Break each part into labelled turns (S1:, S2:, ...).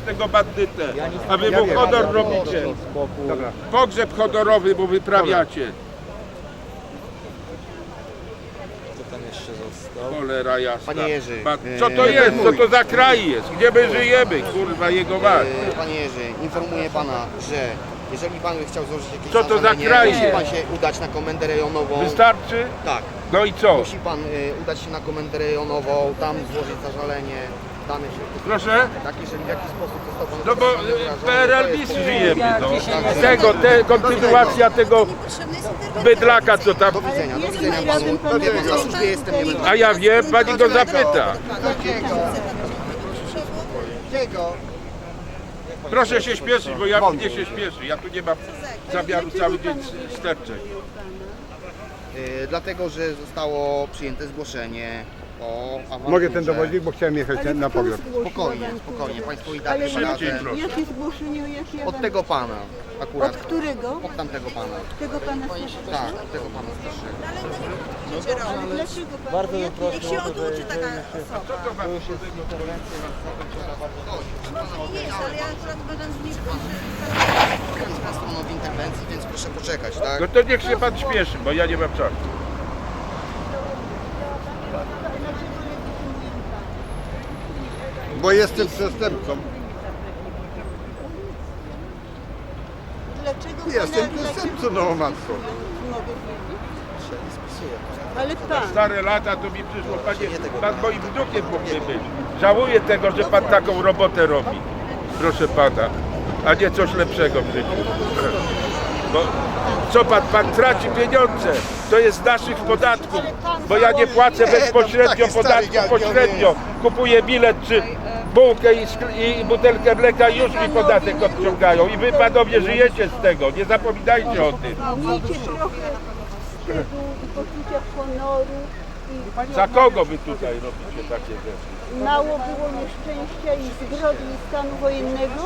S1: tego bandytę, a wy mu honor robicie.
S2: Dobra.
S1: Pogrzeb honorowy mu wyprawiacie.
S3: Co tam jeszcze został?
S1: Cholera jasna.
S4: Panie Jerzy,
S1: Co to jest? Co to za kraj jest? Gdzie my żyjemy? Kurwa jego mać.
S4: Panie Jerzy, informuję pana, że jeżeli pan by chciał złożyć jakieś
S1: Co to za
S4: zażalenie,
S1: kraj
S4: musi
S1: jest?
S4: pan się udać na komendę rejonową.
S1: Wystarczy?
S4: Tak.
S1: No i co?
S4: Musi pan udać się na komendę rejonową, tam złożyć zażalenie, dane się.
S1: Proszę?
S4: Tak, jeżeli w jakiś sposób został pan
S1: No bo
S4: obrażony,
S1: PRL
S4: to
S1: bis
S4: jest-
S1: żyjemy, no. Kontynuacja tego bydlaka, co tam.
S4: Do widzenia panu. Wie pan, na służbie jestem, nie będę.
S1: A ja wiem, pani go zapyta. Proszę się śpieszyć, bo ja mnie się śpieszy. Ja tu nie mam zamiaru cały dzień sterczeć.
S4: Dlatego, że zostało przyjęte zgłoszenie o awanturze.
S2: Mogę ten dowodnik, bo chciałem jechać na pogrzeb.
S4: Spokojnie, spokojnie. Państwo i tak
S5: Ale
S1: Szybciej,
S4: radę.
S1: proszę.
S5: jakie zgłoszenie, jakie
S4: Od tego pana akurat.
S5: Od którego?
S4: Od tamtego pana.
S5: Tego pana starszego.
S4: Tak, od tego pana starszego.
S5: Ale dlaczego pan?
S3: Bardzo bym prosił
S6: Niech się
S3: o to,
S6: oduczy
S3: że
S6: taka
S3: jeżeli
S6: osoba.
S3: to już jest interwencja,
S6: Nie jest, ale ja akurat uważam, że nie
S4: Teraz stanął w interwencji, więc proszę poczekać, tak?
S1: No to niech się pan śpieszy, bo ja nie mam czasu.
S2: Bo jestem przestępcą.
S5: Dlaczego
S2: Jestem
S5: pana,
S2: przestępcą, no matko.
S5: mogę wiedzieć? Ale pan,
S1: Stare lata to mi przyszło, panie, pan moim wnukiem mógłby być. Żałuję tego, że pan taką robotę robi, proszę pana, a nie coś lepszego w życiu. Bo co pan traci pieniądze, to jest z naszych podatków, bo ja nie płacę bezpośrednio podatku, pośrednio kupuję bilet czy bułkę i butelkę mleka i już mi podatek odciągają i wy panowie żyjecie z tego, nie zapominajcie o tym.
S5: miejcie trochę wstydu i poczucia honoru i
S1: Za kogo wy tutaj robicie takie rzeczy?
S5: mało było nieszczęścia i zbrodni stanu wojennego?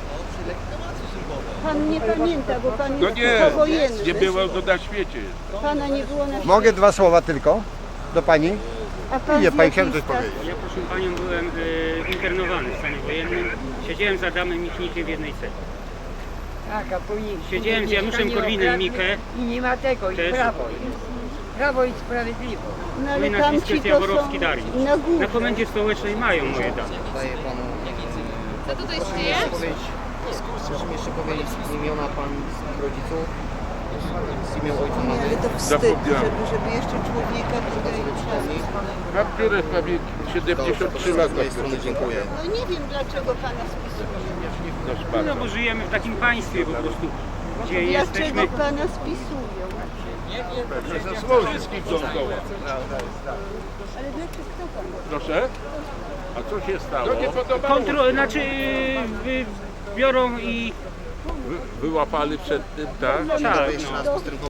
S5: Pan nie pamięta, bo pan
S1: No
S5: jest
S1: nie,
S5: powojenny.
S1: nie było to na świecie.
S5: Pana nie było na świecie.
S2: Mogę dwa słowa tylko do pani?
S5: A pan
S2: Nie,
S5: z
S2: pani
S5: jakiej
S2: chciałem coś
S5: stacji?
S2: powiedzieć.
S7: Ja proszę panią byłem internowany w stanie wojennym. Siedziałem z Adamem Michnikiem w jednej celi.
S8: Tak, a później
S7: Siedziałem z Januszem Korwinem Mikke.
S8: I nie ma tego, i
S7: Też.
S8: prawo jest. Prawo i sprawiedliwość.
S5: No,
S7: Moje
S5: ale
S7: nazwisko
S5: tamci
S7: jest
S5: to
S7: Jaworowski
S5: są
S7: Dariusz.
S5: na górze.
S7: Na komendzie stołecznej mają moje dane.
S4: Daję panu. Co tutaj się dzieje? Proszę mi jeszcze powiedzieć imiona pan rodziców. Imię ojca
S5: Nie, ale
S4: mamy.
S5: to wstyd,
S1: Zapomniałem.
S5: żeby jeszcze człowieka tutaj...
S1: Mam biurę w pamięci, 73
S4: Z
S1: lata.
S4: mojej strony dziękuję.
S5: No nie wiem, dlaczego pana spisują.
S1: Proszę
S7: No
S1: pana.
S7: bo żyjemy w takim państwie po prostu, gdzie
S5: Dlaczego
S7: jesteśmy.
S5: pana spisują?
S1: Wszystkich dookoła.
S5: Ale dlaczego kto pan?
S1: Proszę? A co się stało? No nie podobało.
S7: Znaczy biorą i
S1: Wyłapali przed tym, tak?
S7: tak,
S4: Jeszcze
S7: no.
S4: raz postępowanie.